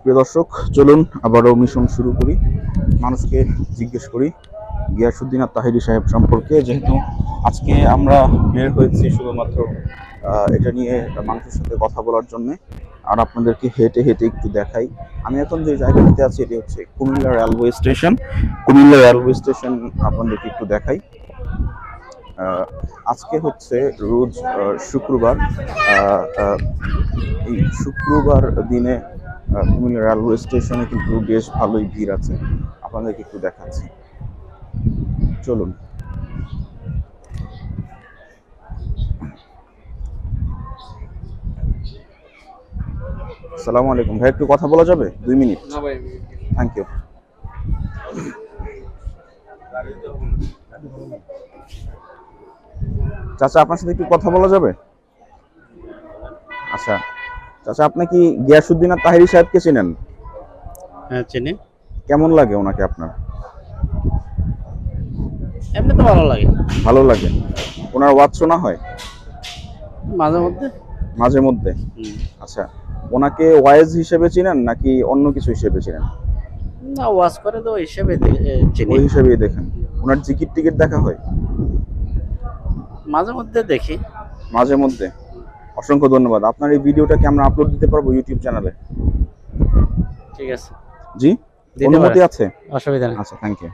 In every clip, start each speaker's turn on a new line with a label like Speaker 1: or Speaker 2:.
Speaker 1: প্রিয় দর্শক, চলুন আবারও মিশন শুরু করি। মানুষকে জিজ্ঞেস করি গিয়াসউদ্দিন আর তাহিরি সাহেব সম্পর্কে, যেহেতু আজকে আমরা বের হয়েছি শুধুমাত্র এটা নিয়ে মানুষের সাথে কথা বলার জন্য, আর আপনাদেরকে হেঁটে হেঁটে একটু দেখাই। আমি এখন যে জায়গাটিতে আছি এটি হচ্ছে Comilla railway station. Comilla railway station আপনাদেরকে একটু দেখাই। আজকে হচ্ছে রোজ শুক্রবার। এই শুক্রবার দিনে কুমিল্লা রেলওয়ে স্টেশনে কিন্তু বেশ ভালোই ভিড় আছে, আপনাদেরকে একটু দেখাচ্ছি, চলুন। আসসালামু আলাইকুম ভাই, একটু কথা বলা যাবে 2 মিনিট?
Speaker 2: না ভাই,
Speaker 1: থ্যাংক ইউ। চাচা, আপনার সাথে একটু কথা বলা যাবে? আচ্ছা চাচা, আপনি কি গিয়াসউদ্দিন আর তাহিরি সাহেবকে চেনেন?
Speaker 2: হ্যাঁ চিনি।
Speaker 1: কেমন লাগে ওনাকে আপনার?
Speaker 2: এমনি তো ভালো লাগে।
Speaker 1: ভালো লাগে। ওনার ওয়াজ শোনা হয়
Speaker 2: মাঝে মধ্যে।
Speaker 1: মাঝে মধ্যে? আচ্ছা, ওনাকে ওয়াইজ হিসেবে চিনেন নাকি অন্য কিছু হিসেবে চিনেন?
Speaker 2: না, ওয়াজ করে তো হিসেবে চিনি।
Speaker 1: ওই হিসেবেই দেখেন। ওনার জিকির টিকিট দেখা হয়?
Speaker 2: মাঝে মধ্যে দেখি।
Speaker 1: মাঝে মধ্যে। অসংখ্য ধন্যবাদ। আপনার এই ভিডিওটা কি আমরা আপলোড দিতে পারবো ইউটিউব চ্যানেলে?
Speaker 2: ঠিক আছে।
Speaker 1: জি, অনুমতি আছে?
Speaker 2: অসুবিধা নেই।
Speaker 1: আচ্ছা, থ্যাংক ইউ।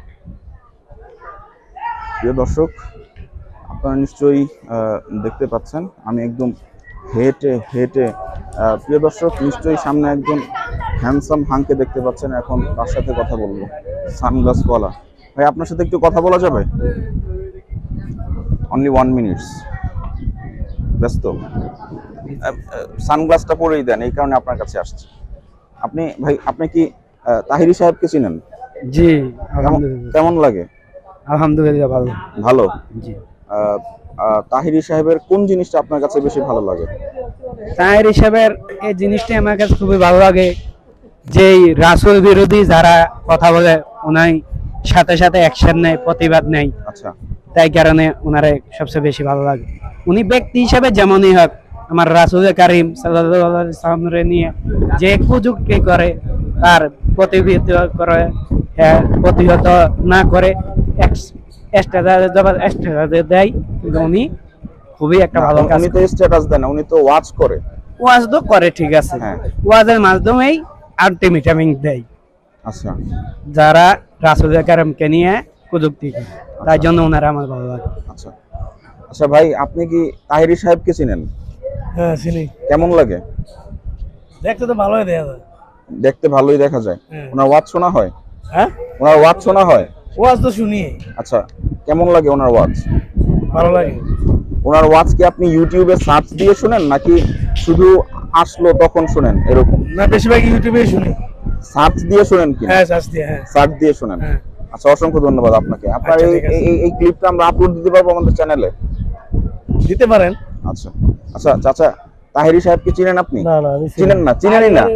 Speaker 1: প্রিয় দর্শক, আপনারা নিশ্চয়ই দেখতে পাচ্ছেন আমি একদম হেঁটে হেঁটে, প্রিয় দর্শক নিশ্চয়ই সামনে একজন হ্যান্ডসাম হাংকে দেখতে পাচ্ছেন। এখন তার সাথে কথা বলবো, সানগ্লাসওয়ালা ভাই। আপনার সাথে একটু কথা বলা যাবে? Only 1 minutes. ব্যস্ত? সানগ্লাসটা পরেই দেন, এই কারণে আপনার কাছে আসছি। আপনি ভাই, আপনি কি তাহিরি সাহেবকে চিনেন?
Speaker 3: জি,
Speaker 1: কেমন লাগে?
Speaker 3: আলহামদুলিল্লাহ ভালো।
Speaker 1: ভালো।
Speaker 3: জি,
Speaker 1: তাহিরি সাহেবের কোন জিনিসটা আপনার কাছে বেশি ভালো লাগে?
Speaker 3: তাহির হিসাবের এই জিনিসটা আমার কাছে খুবই ভালো লাগে, যে রাসূল বিরোধী যারা কথা বলে ওনাই সাথে সাথে অ্যাকশন নেয়, প্রতিবাদ নেয়।
Speaker 1: আচ্ছা,
Speaker 3: তাই কারণে ওনারে সবচেয়ে বেশি ভালো লাগে। উনি ব্যক্তি হিসাবে যেমনই হোক, আমার রাসূল কারীম সাল্লাল্লাহু আলাইহি ওয়াসাল্লামকে নিয়ে যে কুযুক্তি করে তার প্রতিবিহিত করে, প্রতিহত না করে দেয়, উনি খুবই একটা ভালো কাজ।
Speaker 1: উনি তো স্ট্যাটাস দেন, উনি তো ওয়াচ করে।
Speaker 3: ওয়াজ তো করে, ঠিক আছে,
Speaker 1: হ্যাঁ।
Speaker 3: ওয়াজের মাধ্যমেই আলটিমেটাম দেয়
Speaker 1: আচ্ছা,
Speaker 3: যারা রাসূল কারীমকে নিয়ে কুযুক্তি করে, তাই জন্য ওনারা আমার ভালো লাগে।
Speaker 1: আচ্ছা আচ্ছা ভাই, আপনি কি তাহিরি সাহেবকে চিনেন?
Speaker 3: হ্যাঁ চিনি।
Speaker 1: কেমন লাগে?
Speaker 3: দেখতে তো ভালোই দেখা যায়।
Speaker 1: দেখতে ভালোই দেখা যায়। ওনার ওয়াজ শোনা হয়?
Speaker 3: হ্যাঁ,
Speaker 1: ওনার ওয়াজ শোনা হয়?
Speaker 3: ওয়াজ তো শুনি।
Speaker 1: আচ্ছা, কেমন লাগে ওনার ওয়াজ?
Speaker 3: ভালো লাগে।
Speaker 1: ওনার ওয়াজ কি আপনি ইউটিউবে সার্চ দিয়ে শুনেন নাকি শুধু আসলো তখন শুনেন এরকম?
Speaker 3: না, বেশিরভাগ ইউটিউবে শুনি।
Speaker 1: সার্চ দিয়ে শুনেন কি?
Speaker 3: হ্যাঁ, সার্চ দিয়ে। হ্যাঁ,
Speaker 1: সার্চ দিয়ে শুনেন। আচ্ছা, অসংখ্য ধন্যবাদ আপনাকে। আপনার
Speaker 3: আচ্ছা,
Speaker 1: এই
Speaker 3: ঠিক আছে।
Speaker 1: এই ক্লিপটা আমরা আপলোড দিতে পারবো আমাদের চ্যানেলে?
Speaker 3: দিতে পারেন।
Speaker 1: আচ্ছা আচ্ছা চাচা, তাহিরি সাহেবকে চিনেন আপনি?
Speaker 3: না না, আমি
Speaker 1: চিনেন না? চিনেনই না?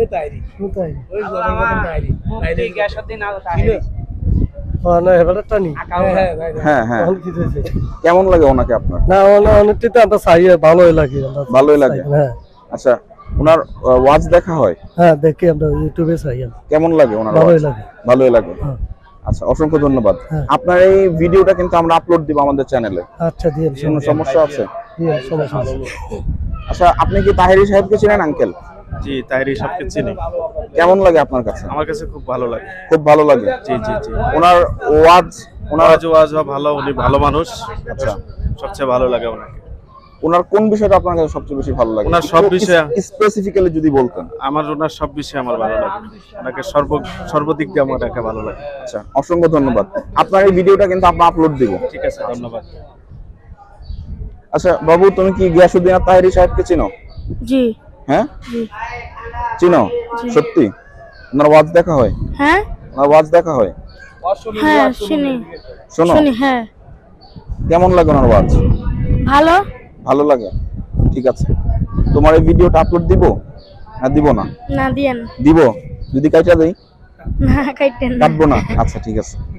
Speaker 1: হ্যাঁ হ্যাঁ, কেমন লাগে ওনাকে আপনার?
Speaker 3: না, অনেকটা তো আমরা চাই, ভালোই লাগে।
Speaker 1: ভালোই লাগে।
Speaker 3: হ্যাঁ
Speaker 1: আচ্ছা, ওনার ওয়াজ দেখা হয়?
Speaker 3: হ্যাঁ, দেখি আমরা ইউটিউবে চাই।
Speaker 1: কেমন লাগে ওনার
Speaker 3: ভালোই
Speaker 1: ওয়াজ?
Speaker 3: লাগে।
Speaker 1: ভালোই লাগে।
Speaker 3: হ্যাঁ।
Speaker 1: আচ্ছা, অসংখ্য ধন্যবাদ।
Speaker 3: হ্যাঁ।
Speaker 1: আপনার এই ভিডিওটা কিন্তু আমরা আপলোড দিব আমাদের চ্যানেলে।
Speaker 3: আচ্ছা, দিয়ে
Speaker 1: কোনো সমস্যা আছে?
Speaker 3: সমস্যা নেই।
Speaker 1: আচ্ছা, আপনি কি তাহিরি সাহেবকে চিনেন আঙ্কেল?
Speaker 4: জি, তাহিরি সাহেবকে চিনি।
Speaker 1: কেমন লাগে আপনার কাছে?
Speaker 4: আমার কাছে খুব ভালো লাগে।
Speaker 1: খুব ভালো লাগে।
Speaker 4: জি জি জি।
Speaker 1: ওনার ওয়াজ, ওনার
Speaker 4: ওয়াজ ভালো, উনি ভালো মানুষ।
Speaker 1: আচ্ছা,
Speaker 4: সবচেয়ে ভালো লাগে ওনাকে।
Speaker 1: ওনার কোন বিষয়টা আপনার কাছে সবচেয়ে বেশি ভালো লাগে?
Speaker 4: ওনার সব বিষয়ে
Speaker 1: স্পেসিফিক্যালি যদি বলতেন।
Speaker 4: ওনার সব বিষয়ে আমার ভালো লাগে। ওনাকে সর্বদিক দিয়ে আমার ভালো লাগে।
Speaker 1: আচ্ছা, অসংখ্য ধন্যবাদ। আপনার এই ভিডিওটা কিন্তু আমরা আপলোড দিব।
Speaker 4: ঠিক আছে, ধন্যবাদ।
Speaker 1: আচ্ছা বাবু, তুমি কি গিয়াসউদ্দিন আর তাহিরি সাহেবকে চিনো?
Speaker 5: জি।
Speaker 1: হ্যাঁ,
Speaker 5: জি।
Speaker 1: চিনো? সত্যি? ওনার ওয়াজ দেখা হয়?
Speaker 5: হ্যাঁ।
Speaker 1: ওনার ওয়াজ দেখা হয়?
Speaker 5: হ্যাঁ শুনি।
Speaker 1: শোনো?
Speaker 5: শুনি, হ্যাঁ।
Speaker 1: কেমন লাগে ওনার ওয়াজ?
Speaker 5: ভালো।
Speaker 1: ভালো লাগে। ঠিক আছে, তোমার এই ভিডিওটা আপলোড দিব না দিব না?
Speaker 5: না দিয়েন।
Speaker 1: দিব। যদি কাইটা দেই?
Speaker 5: না কাইটেন না।
Speaker 1: কাটবো না? আচ্ছা, ঠিক আছে।